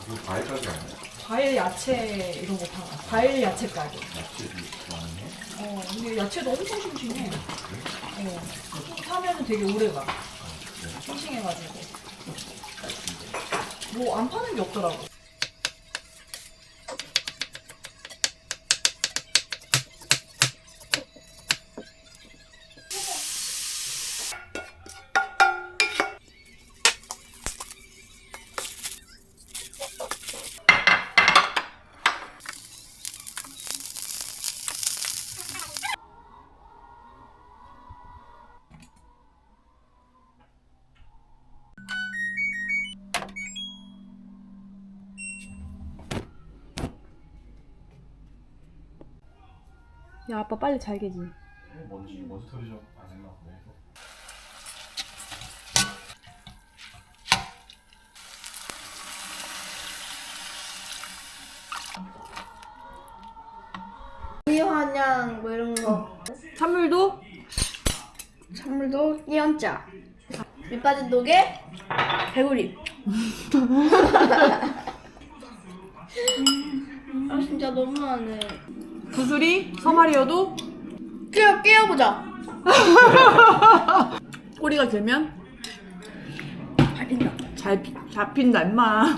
그거 과일 가게 아니야? 과일, 야채 이런 거 팔아. 과일, 야채 가게. 야채도 좋아하네. 근데 야채도 엄청 싱싱해. 사면은 되게 오래 가. 싱싱해가지고. 뭐 안 파는 게 없더라고. 야, 아빠 빨리 잘 개지. 먼지 털이 좀 안 했나 보네. 미화냥 뭐 이런 거. 찬물도? 찬물도 끼얹자. 밑빠진 독에 개구리. 아 진짜 너무하네. 구슬이 서말이어도 끼워보자. 꼬리가 길면 밟힌다. 잡힌다 임마.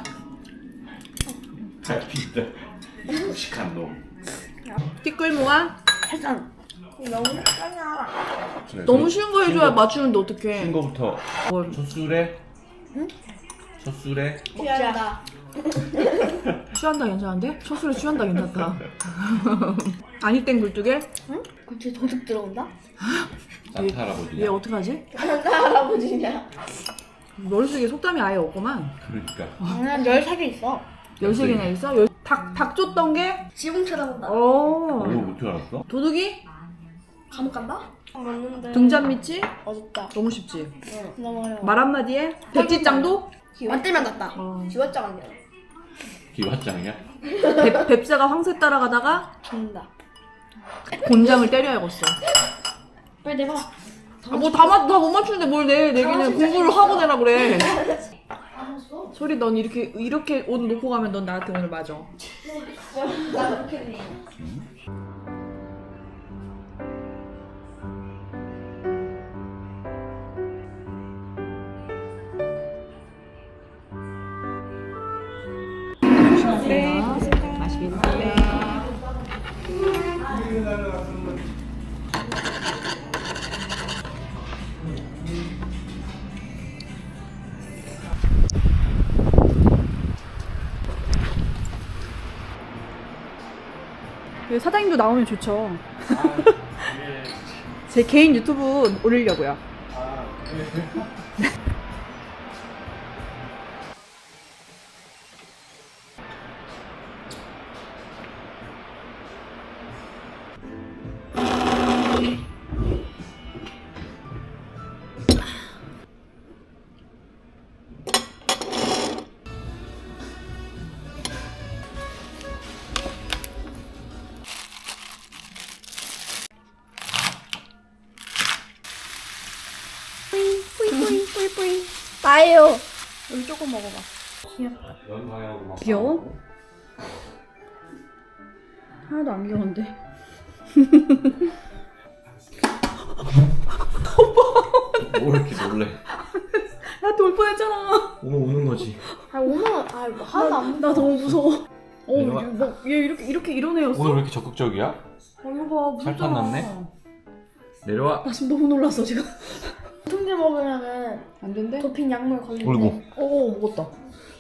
잘 핀다. 무식한 놈. 티끌모아 해산. 너무 헷갈려. 너무 쉬운 거 해줘야 맞추는데 어떡해. 신 거부터. 뭘. 첫 술에. 응? 첫 술에. 취한다. 취한다 괜찮은데? 첫 술에 취한다 괜찮다. 아니 땡 굴뚝에 응? 그치 도둑 들어온다? 산타 할아버지. 얘 어떡하지? 산타 할아버지냐? 머릿속에 속담이 아예 없구만. 그러니까. 난 13개 있어. 13개나 있어? 닭 쫓던 게? 지붕 쳐다본다. 그거 어. 못줄 알았어? 도둑이? 감옥 간다? 맞는데. 등잔 밑이? 어둡다. 너무 쉽지? 응. 너무 어려워. 말 한마디에? 백지장도? 맞들면 낫다. 어. 기왓장 아니야. 기왓장이야? 뱁새가 황새 따라가다가 죽는다. 곤장을 때려야겠어. 빨리 내봐. 뭐 다 못 맞추는데 뭘 내기는 공부를 하고 내라 그래. 소리 넌 이렇게 옷 놓고 가면 넌 나한테 오늘 맞아. 나 그렇게 돼. 네. 맛있게 드세요. 사장님도 나오면 좋죠. 제 개인 유튜브 올리려고요. 뿌이. 나예요. 여기 조금 먹어봐. 연 방향으로 막. 귀여워? 하나도 안 귀여운데. 뭐 이렇게 놀래? 나한테 올 뻔했잖아. 오면 우는 거지. 아 오늘 뭐 하나도 안. 나 너무 무서워. 내려와. 얘 이렇게 이런 애였어? 오늘 왜 이렇게 적극적이야? 이거 봐, 살판 무섭잖아. 났네? 내려와. 나 지금 너무 놀랐어 지금. 통제 먹으면은 안 된대? 도핑 약물 걸린대. 어이구. 오 먹었다.